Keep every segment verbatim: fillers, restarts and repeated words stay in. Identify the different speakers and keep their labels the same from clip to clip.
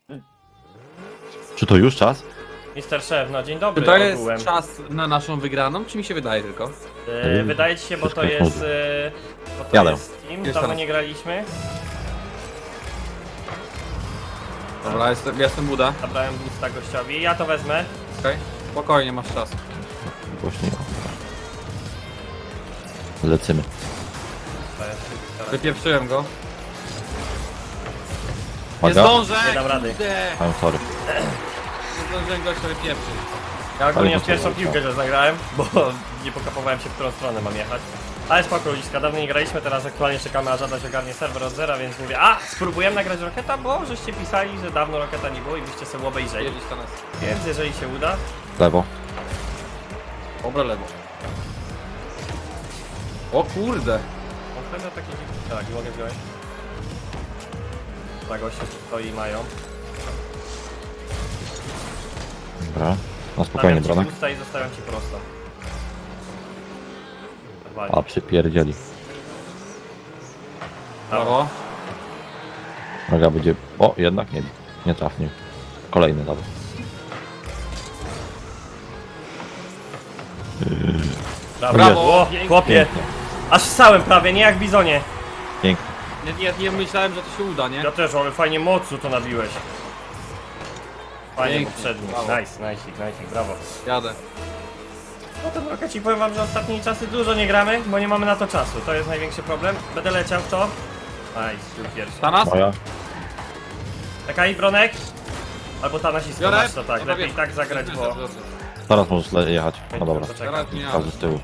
Speaker 1: Czy to już czas?
Speaker 2: mister Szef, no dzień dobry
Speaker 3: Czy to jest
Speaker 2: ogółem.
Speaker 3: czas na naszą wygraną, czy mi się wydaje tylko?
Speaker 2: E, wydaje ci się, bo to
Speaker 1: Wszystko
Speaker 2: jest...
Speaker 1: jest
Speaker 2: E, bo to
Speaker 1: Jadę.
Speaker 2: jest team,
Speaker 3: Jest
Speaker 2: dawno
Speaker 3: teraz.
Speaker 2: nie graliśmy.
Speaker 3: Dobra, jestem, jestem Buda.
Speaker 2: Zabrałem boosta gościowi, ja to wezmę.
Speaker 3: Okej, spokojnie, masz czas.
Speaker 1: Głośniej. Lecimy.
Speaker 3: Wypieprzyłem go. Nie
Speaker 1: Uwaga.
Speaker 3: zdążę!
Speaker 2: Nie dam rady.
Speaker 3: Kurde.
Speaker 1: I'm sorry.
Speaker 3: Nie zdążyłem gościa wypieprzyć.
Speaker 2: Ja ogólnie
Speaker 1: Ale
Speaker 2: w pierwszą
Speaker 1: to-
Speaker 2: piłkę że zagrałem, bo nie pokapowałem się, w którą stronę mam jechać. Ale spoko, ludziska, dawno nie graliśmy, teraz aktualnie czekamy, aż Adaś ogarnie serwer od zera, więc mówię, a spróbujemy nagrać Roketa, bo żeście pisali, że dawno Roketa nie było i byście sobie obejrzeli.
Speaker 3: Jedziesz to nas.
Speaker 2: Więc jeżeli się uda,
Speaker 1: Lewo.
Speaker 3: Dobra, lewo. O kurde!
Speaker 2: on pewnie takie dziwne. Tak, mogę wziąć. Tak, goście tu stoi i mają.
Speaker 1: Dobra. Na spokojnie,
Speaker 2: Stawiam ci
Speaker 1: Bronek.
Speaker 2: usta i zostawiam ci prosto. Wali.
Speaker 1: A, przypierdzieli.
Speaker 3: Brawo.
Speaker 1: Noga będzie... O, jednak nie. Nie trafił. Kolejny dobra.
Speaker 2: Brawo! O,
Speaker 3: Pięknie.
Speaker 2: chłopie!
Speaker 1: Pięknie.
Speaker 2: Aż ssałem prawie, nie jak w bizonie.
Speaker 1: Pięknie.
Speaker 3: Nie, nie, nie myślałem, że to się uda, nie?
Speaker 2: Ja też, ale fajnie mocno to nabiłeś. Fajnie
Speaker 3: Pięknie,
Speaker 2: poprzedni.
Speaker 3: brawo.
Speaker 2: Nice, nice, nice, brawo.
Speaker 3: Jadę.
Speaker 2: No to Rokeci, powiem wam, że ostatnimi czasy dużo nie gramy, bo nie mamy na to czasu. To jest największy problem. Będę leciał w to. Nice, był pierwszy.
Speaker 3: Tanas?
Speaker 1: Moja.
Speaker 2: Czekaj, Bronek. Albo ta nasisko
Speaker 3: Biorę?
Speaker 2: masz, to tak.
Speaker 3: Dobra,
Speaker 2: Lepiej
Speaker 3: wiem.
Speaker 2: tak zagrać, bo...
Speaker 1: Teraz możesz le- jechać. No dobra.
Speaker 2: Poczekaj.
Speaker 3: Teraz nie jadę.
Speaker 1: Każdy z tyłu.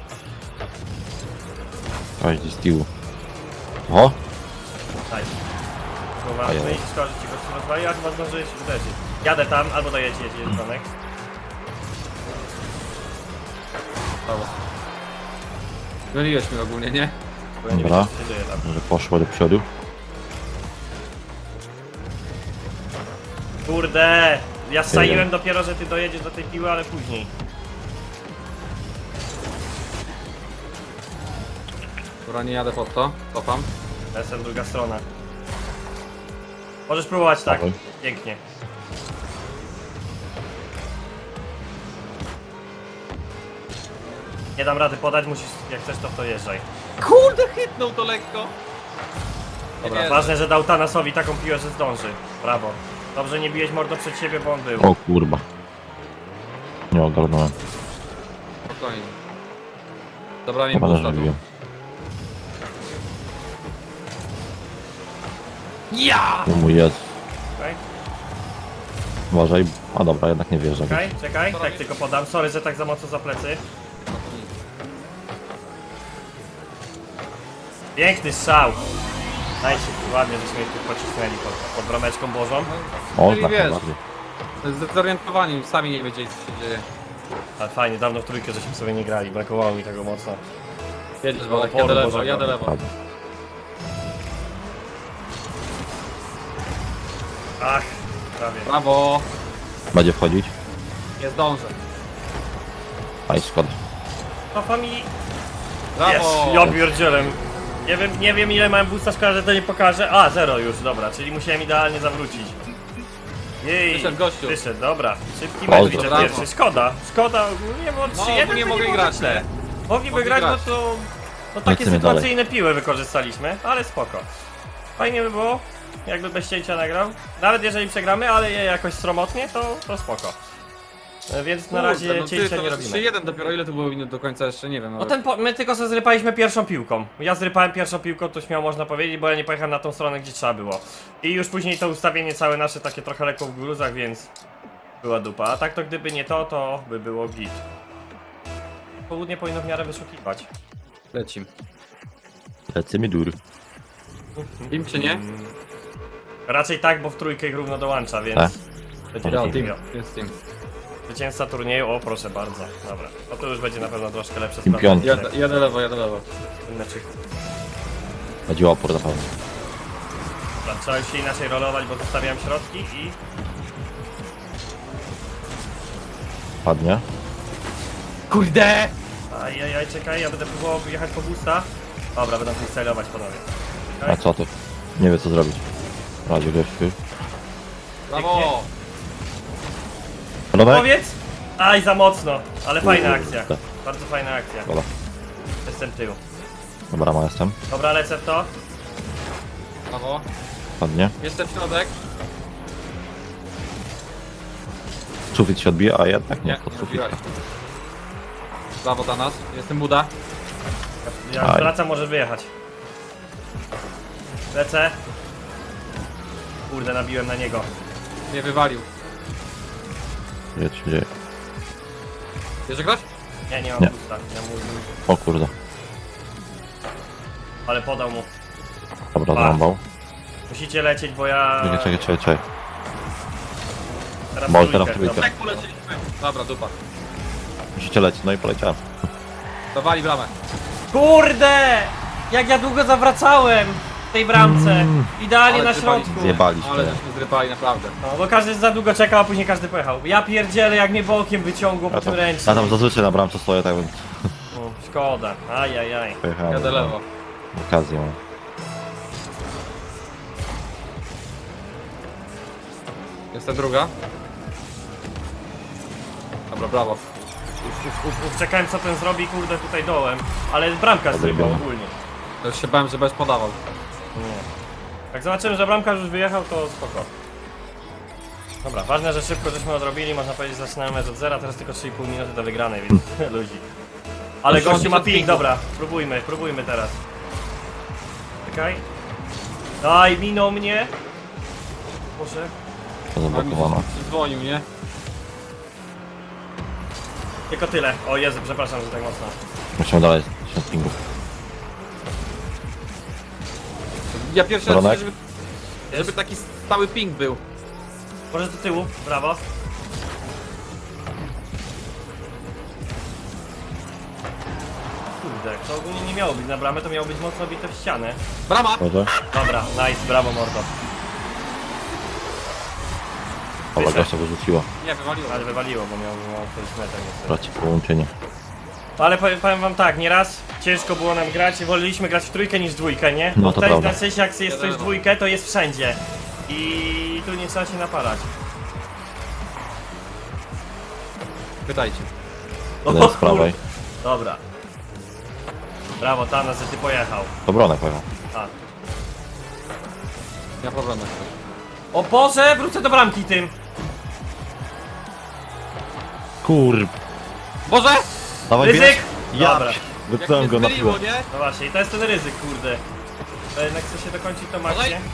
Speaker 1: Każdy z tyłu. O!
Speaker 2: Nice. Słowa,
Speaker 1: A ja-
Speaker 2: no i szkoda, że ci gościu rozwali, a chyba zdążyłeś uderzyć. Jadę tam, albo dojedź, jedź, jedź, Bronek.
Speaker 3: Brawo. Myliłeś mnie ogólnie, nie?
Speaker 2: Bo ja nie
Speaker 1: Dobra.
Speaker 2: wiem, co się dzieje tam.
Speaker 1: Może poszło do przodu.
Speaker 2: Kurde! Ja staiłem dopiero, że ty dojedziesz do tej piły, ale później.
Speaker 3: Dobra, nie jadę pod to. Cofam.
Speaker 2: To jest druga strona. Możesz próbować tak.
Speaker 1: Dawaj.
Speaker 2: Pięknie. Nie dam rady podać, musisz, jak chcesz to w to jeżdżaj.
Speaker 3: Kurde, hitnął to lekko.
Speaker 2: Dobra,
Speaker 3: Nie,
Speaker 2: ważne, że dał Thanasowi taką piłę, że zdąży. Brawo. Dobrze, nie biłeś mordo przed siebie, bo on był.
Speaker 1: O kurwa. Nie ogarnąłem.
Speaker 3: Spokojnie. Dobra, mi
Speaker 1: Chyba
Speaker 3: boosta tu.
Speaker 1: zażywiłem.
Speaker 3: Ja!
Speaker 1: Tu mój jest.
Speaker 2: Czekaj,
Speaker 1: Uważaj. A dobra, jednak nie wierzę.
Speaker 2: czekaj, czekaj,
Speaker 3: Co
Speaker 2: tak
Speaker 3: robisz?
Speaker 2: tylko podam. Sorry, że tak za mocno za plecy. Piękny strzał. Nice, ładnie, żeśmy ich tu pocisnęli pod, pod brameczką bożą.
Speaker 1: O,
Speaker 3: Czyli
Speaker 1: tak
Speaker 3: wiesz.
Speaker 1: najbardziej.
Speaker 3: Zdezorientowani, sami nie wiedzieli co się dzieje.
Speaker 2: Ale fajnie, dawno w trójkę żeśmy sobie nie grali, brakowało mi tego mocno.
Speaker 3: Jedziesz,
Speaker 2: O,
Speaker 3: Bolek,
Speaker 2: Boże,
Speaker 3: jadę lewo,
Speaker 2: Boże,
Speaker 3: jadę
Speaker 2: Boże.
Speaker 3: lewo.
Speaker 1: Prawda.
Speaker 2: Ach, prawie.
Speaker 3: Brawo!
Speaker 1: Będzie wchodzić?
Speaker 3: Nie zdążę.
Speaker 1: Aj, szkoda.
Speaker 2: No familii.
Speaker 3: Brawo!
Speaker 2: Jest, ja pierdzielem. Nie wiem, nie wiem ile mam boosta, szkoda, że to nie pokaże. A, zero już, dobra, czyli musiałem idealnie zawrócić. Jej,
Speaker 3: Wyszedł gościu.
Speaker 2: Wyszedł, dobra. Szybki
Speaker 1: Boże.
Speaker 2: mecz widzę
Speaker 3: Brawo.
Speaker 2: pierwszy. Szkoda, szkoda ogólnie, bo
Speaker 3: No,
Speaker 2: trzy jeden
Speaker 3: ogólnie
Speaker 2: to
Speaker 3: mogli
Speaker 2: było
Speaker 3: grać,
Speaker 2: źle.
Speaker 3: nie?
Speaker 2: Mogliby
Speaker 3: Mogli
Speaker 2: grać,
Speaker 3: grać.
Speaker 2: no to... No takie
Speaker 1: Lecimy
Speaker 2: sytuacyjne piły wykorzystaliśmy, ale spoko. Fajnie by było, jakby bez cięcia nagrał. Nawet jeżeli przegramy, ale je jakoś sromotnie, to, to spoko. E, Więc na razie
Speaker 3: Kurde, no ty,
Speaker 2: cięcia
Speaker 3: to
Speaker 2: nie
Speaker 3: trzy
Speaker 2: robimy.
Speaker 3: jeden dopiero, ile to było minut do końca jeszcze, nie wiem.
Speaker 2: No
Speaker 3: nawet.
Speaker 2: ten po, my tylko sobie zrypaliśmy pierwszą piłką. Ja zrypałem pierwszą piłką, to śmiało można powiedzieć, bo ja nie pojechałem na tą stronę, gdzie trzeba było. I już później to ustawienie całe nasze takie trochę lekko w gruzach, więc była dupa. A tak to gdyby nie to, to by było git. Południe powinno w miarę wyszukiwać.
Speaker 3: Lecim.
Speaker 1: Lecimy dur.
Speaker 3: Team czy nie?
Speaker 2: Raczej tak, bo w trójkę ich równo dołącza, więc...
Speaker 1: Tak.
Speaker 2: Będzie
Speaker 3: Ja,
Speaker 2: team.
Speaker 3: team.
Speaker 2: Jo.
Speaker 3: Jest team.
Speaker 2: Zwycięzca turnieju, o proszę bardzo. Dobra. No to już będzie na pewno troszkę lepsze
Speaker 1: Team
Speaker 2: sprawy.
Speaker 1: piąty.
Speaker 3: Jadę, jadę lewo, jadę lewo.
Speaker 2: Znaczy,
Speaker 1: Będzie opór na pewno.
Speaker 2: dobra, trzeba już się inaczej rolować, bo zostawiałem środki i...
Speaker 1: Padnie.
Speaker 3: Kurde!
Speaker 2: Ajajaj, czekaj, ja będę próbował jechać po boosta. Dobra, będę freestylować panowie.
Speaker 1: A co ty? Nie wie co zrobić. Radzie gościu.
Speaker 3: Brawo!
Speaker 1: Ronek?
Speaker 2: Powiedz! Aj, za mocno, ale fajna
Speaker 1: Kurde.
Speaker 2: akcja. Bardzo fajna akcja.
Speaker 1: Dobra,
Speaker 2: Jestem tył.
Speaker 1: dobra, ma jestem.
Speaker 2: Dobra, lecę w to.
Speaker 3: Brawo.
Speaker 1: Ładnie.
Speaker 3: Jestem środek.
Speaker 1: Sufit się odbija, a jednak nie,
Speaker 3: Nie,
Speaker 1: pod
Speaker 3: nie
Speaker 1: sufit.
Speaker 3: odbiłeś. Brawo dla nas. Jestem Buda.
Speaker 2: Jak
Speaker 1: Aj.
Speaker 2: wracam, może wyjechać. Lecę. Kurde, nabiłem na niego.
Speaker 3: Mnie wywalił.
Speaker 1: Gdzie się dzieje?
Speaker 3: Jeszcze ktoś?
Speaker 2: Nie, nie mam
Speaker 1: Nie.
Speaker 2: pusta. Ja mu...
Speaker 1: O kurde.
Speaker 2: Ale podał mu.
Speaker 1: Dobra,
Speaker 2: Pa.
Speaker 1: zarąbał.
Speaker 2: Musicie lecieć, bo ja...
Speaker 1: Czekaj, czekaj, czekaj, czekaj.
Speaker 2: Teraz
Speaker 1: Bol,
Speaker 2: trójkę.
Speaker 1: teraz trójkę.
Speaker 2: Dobra.
Speaker 3: Tak poleciliśmy. Dobra, dupa.
Speaker 1: Musicie lecieć, no i poleciałem.
Speaker 3: Dawali bramę.
Speaker 2: Kurde! Jak ja długo zawracałem w tej bramce.
Speaker 1: Mm.
Speaker 2: Idealnie
Speaker 3: Ale
Speaker 2: na
Speaker 3: zjebali.
Speaker 2: środku.
Speaker 1: Zjebaliśmy.
Speaker 3: Ale żeśmy zrypali, naprawdę.
Speaker 2: No, bo każdy za długo czekał, a później każdy pojechał. Ja pierdzielę, jak mnie bokiem wyciągło po
Speaker 1: Ja
Speaker 2: tym
Speaker 1: tam, ja
Speaker 2: ręcznym.
Speaker 1: tam zazwyczaj na bramce stoję, tak więc
Speaker 2: O, szkoda. Ajajaj.
Speaker 1: pojechałem.
Speaker 3: Jadę lewo.
Speaker 1: Okazję mam.
Speaker 3: Jestem druga. Dobra, brawo.
Speaker 2: Uf, uf, uf, uf. Czekałem, co ten zrobi, kurde, tutaj dołem. Ale bramka zrywał
Speaker 1: Odrobione.
Speaker 2: ogólnie.
Speaker 3: To już się bałem, że będziesz podawał.
Speaker 2: Nie. Jak zobaczyłem, że bramkarz już wyjechał, to spoko. Dobra, ważne, że szybko żeśmy odrobili, można powiedzieć, zaczynamy mecz od zera, teraz tylko trzy i pół minuty do wygranej, więc ludzi. Ale
Speaker 3: Proszę,
Speaker 2: gościu ma
Speaker 3: on
Speaker 2: ping,
Speaker 3: ping.
Speaker 2: dobra, próbujmy, próbujmy teraz. Czekaj. Daj, minął mnie. Muszę.
Speaker 1: To zablokowano.
Speaker 3: Dzwonił, nie?
Speaker 2: Tylko tyle. O Jezu, przepraszam, że tak mocno.
Speaker 1: Musimy dalej się pingów.
Speaker 3: Ja pierwszy raz
Speaker 1: Ronek?
Speaker 3: widzę, żeby, żeby taki stały ping był.
Speaker 2: Może do tyłu, brawo. Kurde, to ogólnie nie miało być na bramę, to miało być mocno bite w ścianę.
Speaker 3: Brama!
Speaker 1: Może?
Speaker 2: Dobra, nice, brawo mordo.
Speaker 1: Dobra,
Speaker 2: Wyszedł.
Speaker 1: gościa wyrzuciło.
Speaker 3: Nie, wywaliło.
Speaker 2: Ale wywaliło, bo miał, miał coś metę niestety.
Speaker 1: Traci połączenie.
Speaker 2: Ale powiem, powiem wam tak, nieraz ciężko było nam grać, woleliśmy grać w trójkę niż w dwójkę, nie?
Speaker 1: No
Speaker 2: Bo
Speaker 1: to
Speaker 2: tutaj
Speaker 1: prawda.
Speaker 2: na sensie jak jest coś w dwójkę, to jest wszędzie. I tu nie trzeba się napalać.
Speaker 3: Pytajcie.
Speaker 1: Jeden z prawej.
Speaker 2: Dobra. Brawo Thanos, że ty pojechał.
Speaker 1: To Bronek pojechał.
Speaker 2: A.
Speaker 3: Nie ma problemu.
Speaker 2: O Boże, wrócę do bramki tym.
Speaker 1: Kur...
Speaker 3: Boże!
Speaker 1: Dawaj,
Speaker 2: Ryzyk!
Speaker 1: bierz. Ja
Speaker 2: Dobra.
Speaker 1: wypnąłem
Speaker 3: Jak
Speaker 1: go
Speaker 3: mnie
Speaker 1: na
Speaker 3: zmyliło,
Speaker 1: piłę.
Speaker 3: nie?
Speaker 2: No właśnie, i to jest ten ryzyk, kurde. To jednak chce się dokończyć to maksie.
Speaker 3: Olej.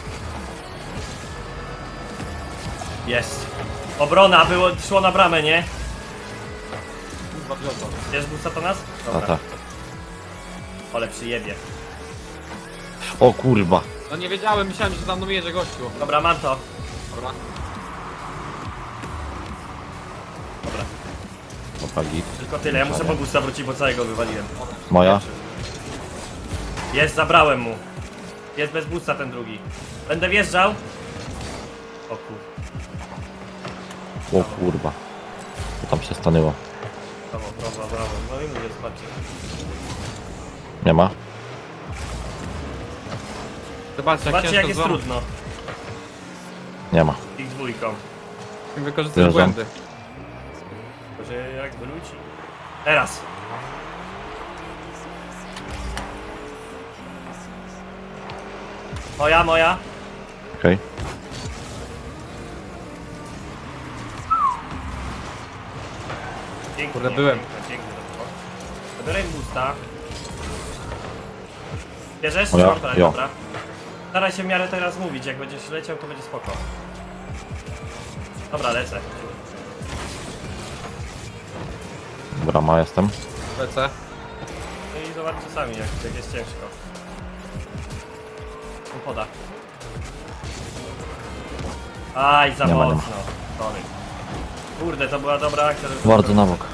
Speaker 2: Jest. Obrona, było, szło na bramę, nie?
Speaker 3: Kurwa, wziął to.
Speaker 2: Jest boosta to nas?
Speaker 1: A
Speaker 2: Dobra.
Speaker 1: tak.
Speaker 2: Ale przyjebie.
Speaker 1: O kurwa.
Speaker 3: No nie wiedziałem, myślałem, że za mną jedzie gościu.
Speaker 2: Dobra, mam to.
Speaker 3: Dobra.
Speaker 2: Dobra.
Speaker 1: Dobra, git.
Speaker 2: Tylko tyle, ja muszę po boosta wrócić, bo całego wywaliłem.
Speaker 1: Moja?
Speaker 2: Jest, zabrałem mu. Jest bez boosta ten drugi. Będę wjeżdżał. O kur...
Speaker 1: O kurwa. To tam się stanęło.
Speaker 2: Brawo, brawo, brawo. No i mówię, zobaczcie.
Speaker 1: Nie ma?
Speaker 3: Zobaczcie, jak
Speaker 2: Zobaczcie
Speaker 3: ciężko
Speaker 2: jak jest
Speaker 3: z wam-
Speaker 2: trudno.
Speaker 1: Nie ma.
Speaker 2: Ich dwójką.
Speaker 3: Wykorzystuję
Speaker 1: Wjeżdżam.
Speaker 3: błędy.
Speaker 2: Tylko, że jak wróci. Teraz. Moja, moja.
Speaker 1: Okej.
Speaker 2: Pięknie.
Speaker 3: Kurde, byłem.
Speaker 2: Pięknie, pięknie to było. Zabiorę im boosta. Bierzesz?
Speaker 1: Moja?
Speaker 2: Dobra,
Speaker 1: Jo.
Speaker 2: dobra. Staraj się w miarę teraz mówić, jak będziesz leciał, to będzie spoko. Dobra, lecę.
Speaker 1: Brama jestem.
Speaker 3: Lecę.
Speaker 2: No i zobaczcie sami, jak, jak jest ciężko. On poda. Aj, za
Speaker 1: Nie ma, nie ma.
Speaker 2: mocno. Sorry. Kurde, to była dobra akcja. żeby-
Speaker 1: Bardzo na bok.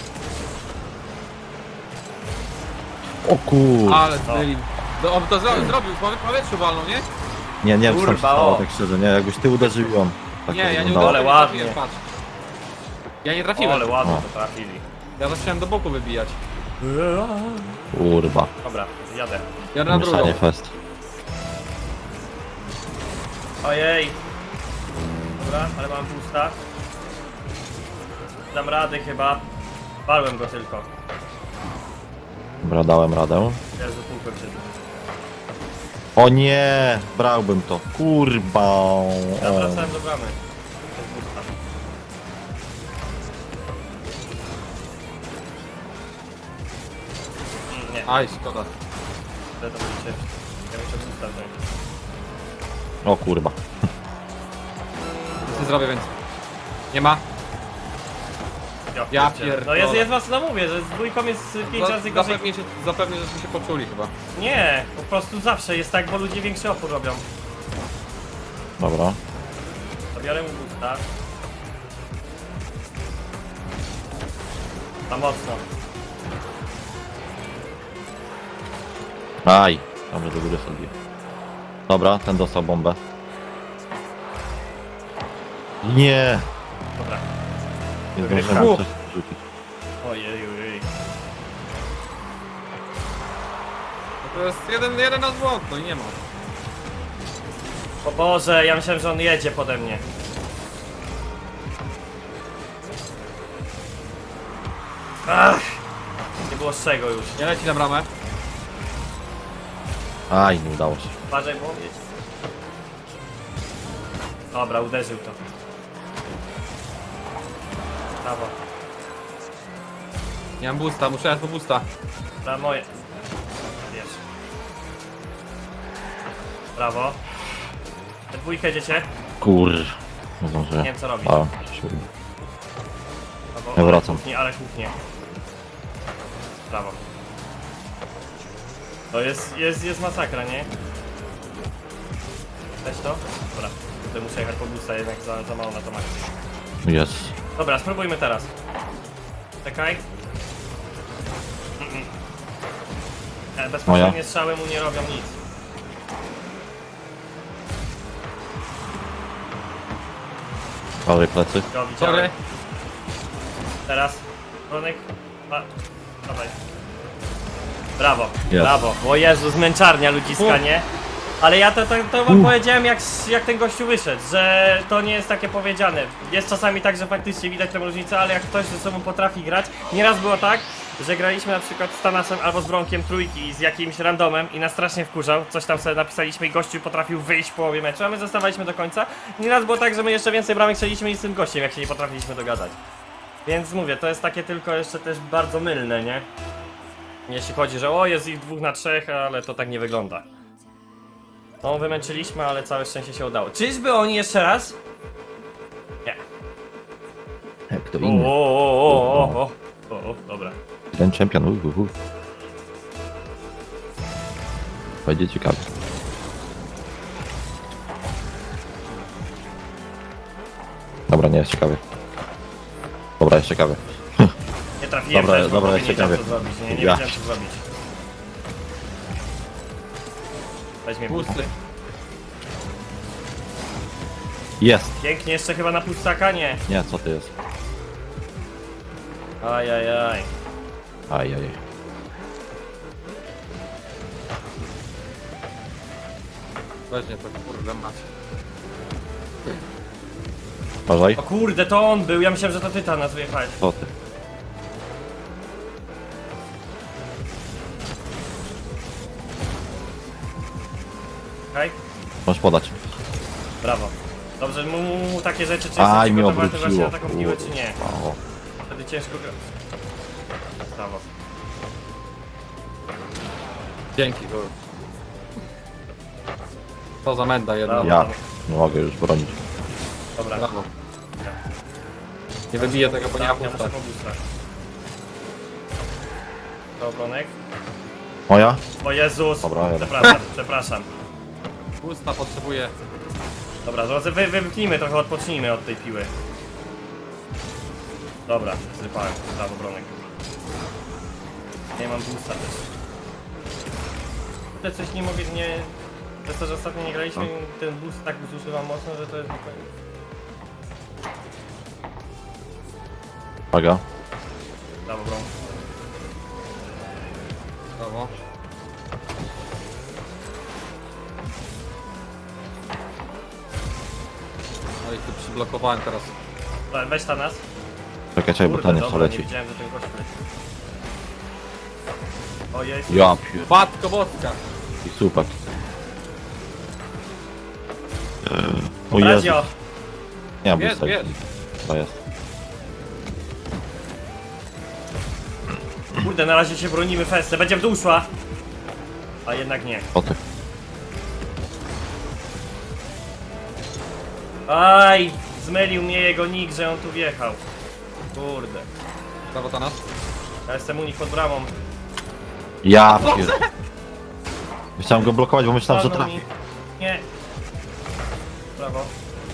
Speaker 1: O kur...
Speaker 3: Ale zmylił. No, on to zro zrobił, po powietrzu walną, nie?
Speaker 1: Nie, nie wiem co tam się
Speaker 2: Kurwa,
Speaker 1: stało,
Speaker 2: o.
Speaker 1: tak szczerze, nie? Jakbyś ty uderzył ją. Tak
Speaker 3: Nie,
Speaker 1: to
Speaker 3: ja nie
Speaker 1: wyglądało.
Speaker 3: udało,
Speaker 2: Ale
Speaker 3: nie trafiłem,
Speaker 2: ładnie.
Speaker 3: patrz. Ja nie
Speaker 2: O,
Speaker 3: trafiłem.
Speaker 2: ale ładnie
Speaker 1: O.
Speaker 2: to trafili.
Speaker 3: Ja zacząłem do boku wybijać.
Speaker 1: Kurwa.
Speaker 2: Dobra, jadę.
Speaker 3: Ja na drugą.
Speaker 1: Mieszanie fest.
Speaker 2: Ojej. Dobra, ale mam pusta. Dam radę chyba. Walłem go tylko.
Speaker 1: Dobra, dałem radę.
Speaker 2: Jezu, półkę przed.
Speaker 1: O nie! Brałbym to. Kurwa.
Speaker 2: Ja
Speaker 1: O.
Speaker 2: wracałem do bramy. To jest pusta. Mm, Nie,
Speaker 3: Aj, szkoda.
Speaker 2: to będzie ciężko. Ja muszę pusta wziąć.
Speaker 1: O kurwa.
Speaker 3: Nic nie zrobię więcej. Nie ma?
Speaker 2: Jo,
Speaker 3: Ja
Speaker 2: kurczę.
Speaker 3: pierdolę.
Speaker 2: No jest, jest was, no mówię, że z dwójką jest pięć
Speaker 3: Za-
Speaker 2: razy gorzej.
Speaker 3: Zapewnie, się, zapewnie, żeśmy się poczuli chyba.
Speaker 2: Nie, po prostu zawsze jest tak, bo ludzie większy opór robią.
Speaker 1: Dobra.
Speaker 2: Zabiorę mu busta. Za mocno.
Speaker 1: Aj. Dobrze, do góry sobie. Dobra, ten dostał bombę. Nie!
Speaker 2: Dobra.
Speaker 1: Nie
Speaker 2: Uf.
Speaker 1: zdążyłem coś rzucić.
Speaker 2: Ojej, ojej.
Speaker 3: No to jest jeden, jeden nasz błąd, no i nie ma.
Speaker 2: O Boże, ja myślałem, że on jedzie pode mnie. Ach! Nie było z czego już.
Speaker 3: Nie leci na bramę.
Speaker 1: Aj, nie udało się.
Speaker 2: Uważaj, bo jedzie. Dobra, uderzył to. Brawo.
Speaker 3: Nie mam boosta, muszę jechać po boosta.
Speaker 2: Dla moje. Wiesz. Brawo. Te dwójkę jedziecie?
Speaker 1: Kur... Nie zdążyłem.
Speaker 2: Nie wiem co robić.
Speaker 1: A, się uda.
Speaker 2: Brawo.
Speaker 1: Ja
Speaker 2: ale
Speaker 1: wracam.
Speaker 2: Kuchnie, ale kuchnie. Brawo. To jest, jest, jest masakra, nie? Weź to? Dobra. Tutaj muszę jechać po busta, jednak za, za mało na to maksie.
Speaker 1: Jest.
Speaker 2: Dobra, spróbujmy teraz. Czekaj. Mm-mm. E, Bezpośrednie
Speaker 1: Moja?
Speaker 2: strzały mu nie robią nic.
Speaker 1: Prawej plecy.
Speaker 2: Go widziałem.
Speaker 3: Sorry.
Speaker 2: Teraz. Bronek. A, dawaj. Brawo,
Speaker 1: Jest.
Speaker 2: brawo. O Jezu, zmęczarnia ludziska, nie? Ale ja to, to, to wam powiedziałem jak, jak ten gościu wyszedł, że to nie jest takie powiedziane. Jest czasami tak, że faktycznie widać tę różnicę, ale jak ktoś ze sobą potrafi grać. Nieraz było tak, że graliśmy na przykład z Tanasem albo z Bronkiem trójki z jakimś randomem i nas strasznie wkurzał. Coś tam sobie napisaliśmy i gościu potrafił wyjść w połowie meczu, a my zostawaliśmy do końca. Nieraz było tak, że my jeszcze więcej bramek strzeliśmy niż z tym gościem, jak się nie potrafiliśmy dogadać. Więc mówię, to jest takie tylko jeszcze też bardzo mylne, nie? Jeśli chodzi, że o, jest ich dwóch na trzech, ale to tak nie wygląda. No, wymęczyliśmy, ale całe szczęście się udało. Czyżby oni jeszcze raz? Nie.
Speaker 1: Jak to
Speaker 2: O,
Speaker 1: inny.
Speaker 2: o, o, o, o, o, o, dobra.
Speaker 1: Ten czempion. Uh, uh, uh. Będzie ciekawy. Dobra, nie jest ciekawy. Dobra, jest ciekawy.
Speaker 2: Nie trafiłem
Speaker 1: Dobra,
Speaker 2: też, bo
Speaker 1: dobra,
Speaker 2: nie
Speaker 1: jest
Speaker 2: wiedziałem co
Speaker 1: ciekawie.
Speaker 2: zrobić, nie, nie
Speaker 1: Ja.
Speaker 2: wiedziałem co zrobić. Weźmie
Speaker 3: Boosty.
Speaker 1: Jest!
Speaker 2: Pięknie, jeszcze chyba na pustaka, nie.
Speaker 1: Nie, co ty jest?
Speaker 2: Ajajaj.
Speaker 1: Ajaj.
Speaker 3: Weźmie to, kurde macie.
Speaker 1: Uważaj.
Speaker 2: O kurde, to on był, ja myślałem, że to ty tam nas wyjechałeś.
Speaker 1: Co ty?
Speaker 2: Okej?
Speaker 1: Możesz podać.
Speaker 2: Brawo. Dobrze, mu, mu, mu takie rzeczy, czy
Speaker 1: Aj,
Speaker 2: jesteś
Speaker 1: mnie
Speaker 2: przygotowany właśnie
Speaker 1: obróciło.
Speaker 2: na taką piłę, czy nie.
Speaker 1: O,
Speaker 2: Wtedy ciężko grać. Brawo.
Speaker 3: Dzięki, kurde. To za menda jedna.
Speaker 2: Brawo.
Speaker 1: ja nie mogę już bronić.
Speaker 2: Dobra.
Speaker 3: Brawo. Nie wybiję tego, bo nie mam
Speaker 2: Ja muszę
Speaker 3: boosta.
Speaker 2: po boostach. To obronek.
Speaker 1: Moja?
Speaker 2: O Jezus!
Speaker 1: Dobra, ja-
Speaker 2: Przepraszam, przepraszam.
Speaker 3: Boosta potrzebuję.
Speaker 2: Dobra, drodzy, wy, wymknijmy trochę, odpocznijmy od tej piły. Dobra, zrypałem. Brawo, obronek. Nie mam boosta też. Te coś nie mogę, nie... Przez to, że ostatnio nie graliśmy, ten boost tak zużywam mocno, że to jest...
Speaker 1: Uwaga.
Speaker 2: Brawo, bron.
Speaker 3: Brawo. No i tu przyblokowałem teraz.
Speaker 2: Dobra, weź ta nas.
Speaker 1: Czekaj, czekaj, bo
Speaker 2: Kurde,
Speaker 1: ten jeszcze
Speaker 2: dobra, nie
Speaker 1: leci.
Speaker 2: widziałem, że ten gość leci. O jest.
Speaker 1: Ja pier...
Speaker 3: Matko boska.
Speaker 1: I super. O Jezu.
Speaker 2: Radio.
Speaker 1: Nie mam
Speaker 3: Jest,
Speaker 1: boosta.
Speaker 3: jest.
Speaker 1: To jest.
Speaker 2: Kurde, na razie się bronimy festę. Będzie w dół szła. A jednak nie.
Speaker 1: O ty.
Speaker 2: Aj, zmylił mnie jego nick, że on tu wjechał. Kurde.
Speaker 3: Brawo Tanas.
Speaker 2: Ja jestem u nich pod bramą.
Speaker 1: Ja pier... Chciałem go blokować, bo myślałem, że
Speaker 2: Walnął
Speaker 1: trafi.
Speaker 2: mi. Nie. Brawo.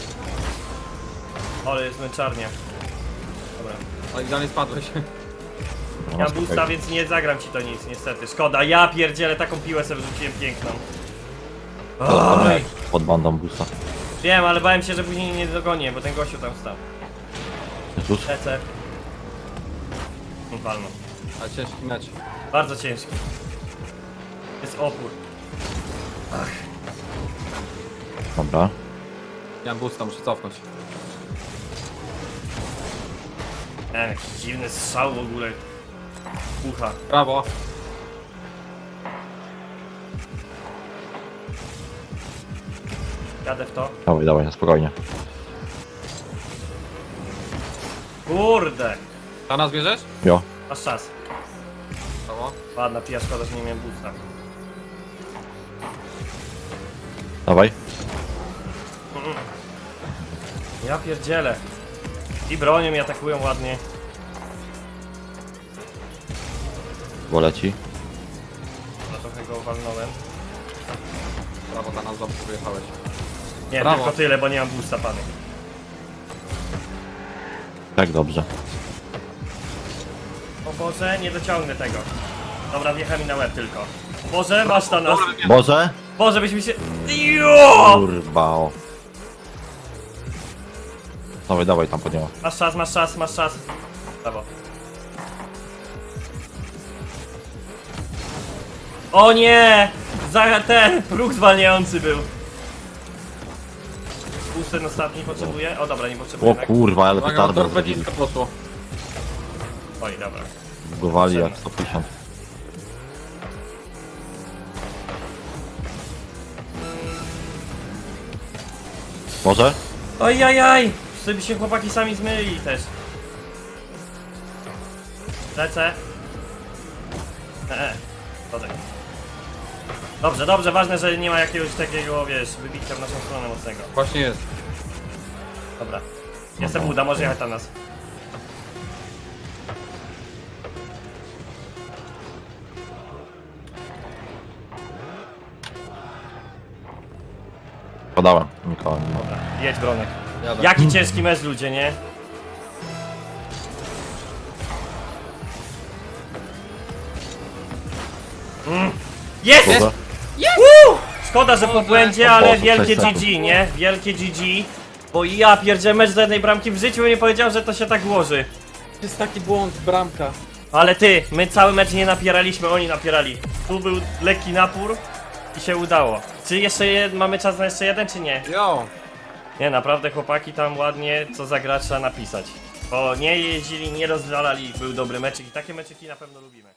Speaker 2: Ale jest męczarnia. Dobra.
Speaker 3: O, idealnie spadłeś.
Speaker 1: No,
Speaker 2: Ja mam
Speaker 1: spokojnie.
Speaker 2: boosta, więc nie zagram ci to nic, niestety. Szkoda, ja pierdzielę, taką piłę sobie wrzuciłem piękną. Oj.
Speaker 1: Pod bandą boosta.
Speaker 2: Wiem, ale bałem się, że później nie dogonię, bo ten gościu tam stał.
Speaker 1: Jezus.
Speaker 2: Lecę. Walno.
Speaker 3: Ale ciężki mecz.
Speaker 2: Bardzo ciężki. Jest opór.
Speaker 1: Dobra.
Speaker 3: Ja mam boosta, muszę cofnąć.
Speaker 2: E, jakiś dziwny strzał w ogóle. Ucha.
Speaker 3: Brawo.
Speaker 2: Jadę w to.
Speaker 1: Dawaj, dawaj, spokojnie.
Speaker 2: Kurde.
Speaker 3: Tanas bierzesz?
Speaker 1: Jo.
Speaker 2: Masz czas.
Speaker 3: Brawo.
Speaker 2: Ładna pija, szkoda, że nie miałem boosta.
Speaker 1: Dawaj.
Speaker 2: Ja pierdzielę. I bronią mi atakują ładnie.
Speaker 1: Bo leci.
Speaker 2: No trochę go walnąłem.
Speaker 3: Brawo Tanas, dobrze wyjechałeś.
Speaker 2: Nie,
Speaker 3: Brawo.
Speaker 2: tylko tyle, bo nie mam boosta, pany.
Speaker 1: Tak dobrze.
Speaker 2: O Boże, nie dociągnę tego. Dobra, wjechał mi na łeb tylko. O Boże, masz ta nas.
Speaker 1: Boże!
Speaker 2: Boże, byśmy się... Jo!
Speaker 1: Kurwa. o. Dawaj, dawaj tam pod niego.
Speaker 2: Masz czas, masz czas, masz czas. Brawo. O nie! Za ten próg zwalniający był. Boost ten ostatni potrzebuje? O dobra, nie potrzebuje.
Speaker 1: O kurwa, ale
Speaker 3: Uwaga,
Speaker 1: petardę
Speaker 3: motor
Speaker 1: zrobili.
Speaker 3: dwadzieścia poszło.
Speaker 2: Oj, dobra.
Speaker 1: Bugowali jak sto pięćdziesiąt. Może?
Speaker 2: Ojajaj! Żeby się chłopaki sami zmylili też. Lecę. Eee, chodzę. Dobrze, dobrze, ważne, że nie ma jakiegoś takiego, wiesz, wybicia w naszą stronę mocnego.
Speaker 3: Właśnie jest.
Speaker 2: Dobra. Jestem uda, może jechać na nas.
Speaker 1: Podałem. Nikogo nie ma.
Speaker 2: Dobra, jedź Bronek.
Speaker 3: Jadę.
Speaker 2: Jaki ciężki mecz, ludzie, nie? Mm. Jest!
Speaker 1: Boże.
Speaker 2: Woo! Szkoda, że po błędzie, ale
Speaker 1: Boże,
Speaker 2: wielkie
Speaker 1: sześć sekund.
Speaker 2: G G, nie? Wielkie G G. Bo ja pierdzielę mecz do jednej bramki w życiu bym nie powiedział, że to się tak ułoży.
Speaker 3: To jest taki błąd, bramka.
Speaker 2: Ale ty, my cały mecz nie napieraliśmy, oni napierali. Tu był lekki napór i się udało. Czy jeszcze jed... mamy czas na jeszcze jeden, czy nie?
Speaker 3: Jo.
Speaker 2: Nie, naprawdę chłopaki tam ładnie co za gracza napisać. Bo nie jeździli, nie rozwalali, był dobry meczek i takie meczyki na pewno lubimy.